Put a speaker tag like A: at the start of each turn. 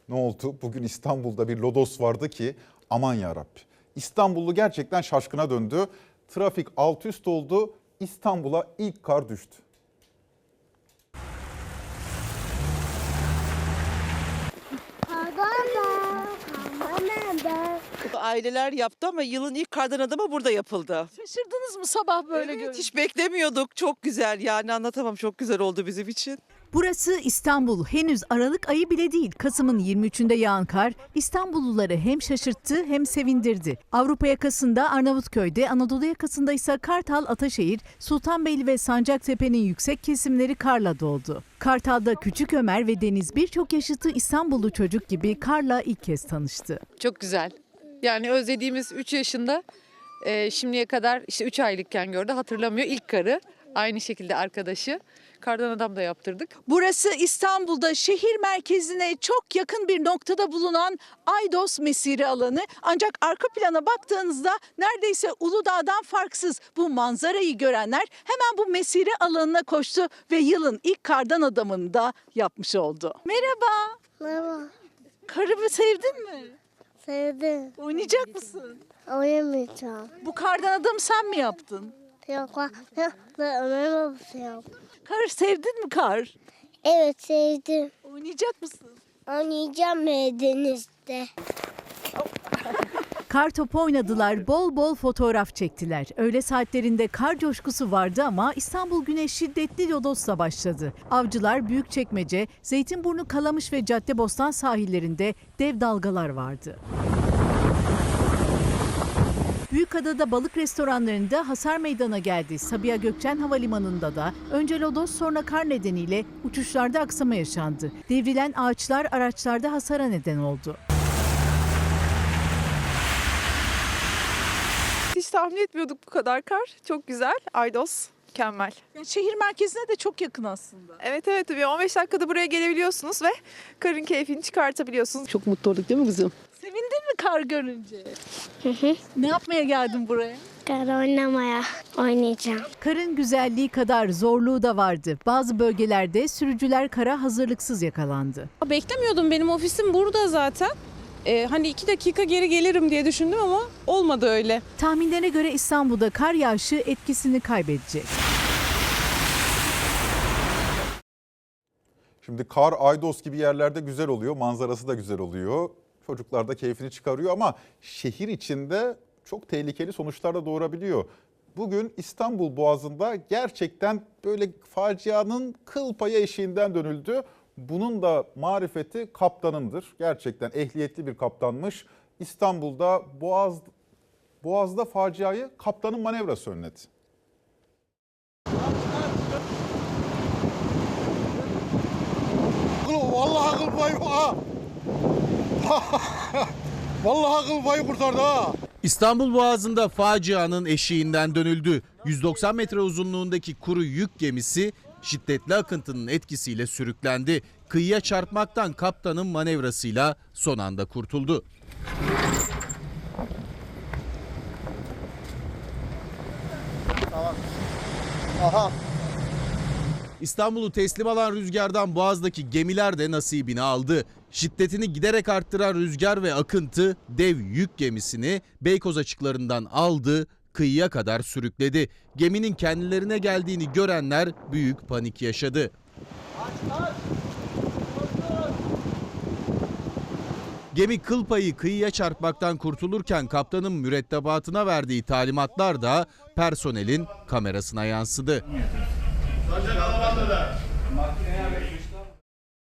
A: Ne oldu? Bugün İstanbul'da bir lodos vardı ki aman yarabbi. İstanbullu gerçekten şaşkına döndü. Trafik alt üst oldu. İstanbul'a ilk kar düştü.
B: Aileler yaptı ama yılın ilk kardan adamı burada yapıldı.
C: Şaşırdınız mı sabah böyle
B: Evet,
C: görünce?
B: hiç beklemiyorduk. Çok güzel, yani anlatamam, çok güzel oldu bizim için.
D: Burası İstanbul. Henüz Aralık ayı bile değil. Kasım'ın 23'ünde yağan kar İstanbulluları hem şaşırttı hem sevindirdi. Avrupa yakasında Arnavutköy'de, Anadolu yakasında ise Kartal, Ataşehir, Sultanbeyli ve Sancaktepe'nin yüksek kesimleri karla doldu. Kartal'da Küçük Ömer ve Deniz birçok yaşıtı İstanbullu çocuk gibi karla ilk kez tanıştı.
E: Çok güzel. Yani özlediğimiz 3 yaşında şimdiye kadar işte 3 aylıkken gördü, hatırlamıyor. İlk karı, aynı şekilde arkadaşı. Kardan adam da yaptırdık.
C: Burası İstanbul'da şehir merkezine çok yakın bir noktada bulunan Aydos Mesire alanı. Ancak arka plana baktığınızda neredeyse Uludağ'dan farksız. Bu manzarayı görenler hemen bu mesire alanına koştu ve yılın ilk kardan adamını da yapmış oldu. Merhaba.
F: Merhaba.
C: Karımı sevdin mi?
F: Sevdim.
C: Oynayacak mısın?
F: Oynamayacağım.
C: Bu kardan adamı sen mi yaptın?
F: Yok, Ömer babası yaptı.
C: Kar sevdin mi kar?
F: Evet, sevdim.
C: Oynayacak mısın?
F: Oynayacağım denizde.
D: Kar topu oynadılar, bol bol fotoğraf çektiler. Öğle saatlerinde kar coşkusu vardı ama İstanbul güne şiddetli lodosla başladı. Avcılar, Büyükçekmece, Zeytinburnu, Kalamış ve Caddebostan sahillerinde dev dalgalar vardı. Büyükada'da balık restoranlarında hasar meydana geldi. Sabiha Gökçen Havalimanı'nda da önce lodos sonra kar nedeniyle uçuşlarda aksama yaşandı. Devrilen ağaçlar araçlarda hasara neden oldu.
G: Hiç tahmin etmiyorduk bu kadar kar. Çok güzel. Aydos mükemmel.
C: Yani şehir merkezine de çok yakın aslında.
G: Evet tabii 15 dakikada buraya gelebiliyorsunuz ve karın keyfini çıkartabiliyorsunuz.
H: Çok mutlu olduk değil mi kızım?
C: Sevindin mi kar görünce? Ne yapmaya geldin buraya?
F: Kar oynamaya oynayacağım.
D: Karın güzelliği kadar zorluğu da vardı. Bazı bölgelerde sürücüler kara hazırlıksız yakalandı.
I: Beklemiyordum, benim ofisim burada zaten. Hani 2 dakika geri gelirim diye düşündüm ama olmadı öyle.
D: Tahminlere göre İstanbul'da kar yağışı etkisini kaybedecek.
A: Şimdi kar Aydos gibi yerlerde güzel oluyor. Manzarası da güzel oluyor. Çocuklar da keyfini çıkarıyor ama şehir içinde çok tehlikeli sonuçlar da doğurabiliyor. Bugün İstanbul Boğazı'nda gerçekten böyle facianın kıl payı eşiğinden dönüldü. Bunun da marifeti kaptanındır. Gerçekten ehliyetli bir kaptanmış. İstanbul'da Boğaz'da faciayı kaptanın manevrası önledi.
J: Vallahi akıl payı ha. Vallahi akıl payı kurtardı ha.
K: İstanbul Boğazı'nda facianın eşiğinden dönüldü. 190 metre uzunluğundaki kuru yük gemisi şiddetli akıntının etkisiyle sürüklendi. Kıyıya çarpmaktan kaptanın manevrasıyla son anda kurtuldu.
J: Aha.
K: İstanbul'u teslim alan rüzgardan Boğaz'daki gemiler de nasibini aldı. Şiddetini giderek arttıran rüzgar ve akıntı dev yük gemisini Beykoz açıklarından aldı, kıyıya kadar sürükledi. Geminin kendilerine geldiğini görenler büyük panik yaşadı. Gemi kıl payı kıyıya çarpmaktan kurtulurken kaptanın mürettebatına verdiği talimatlar da personelin kamerasına yansıdı.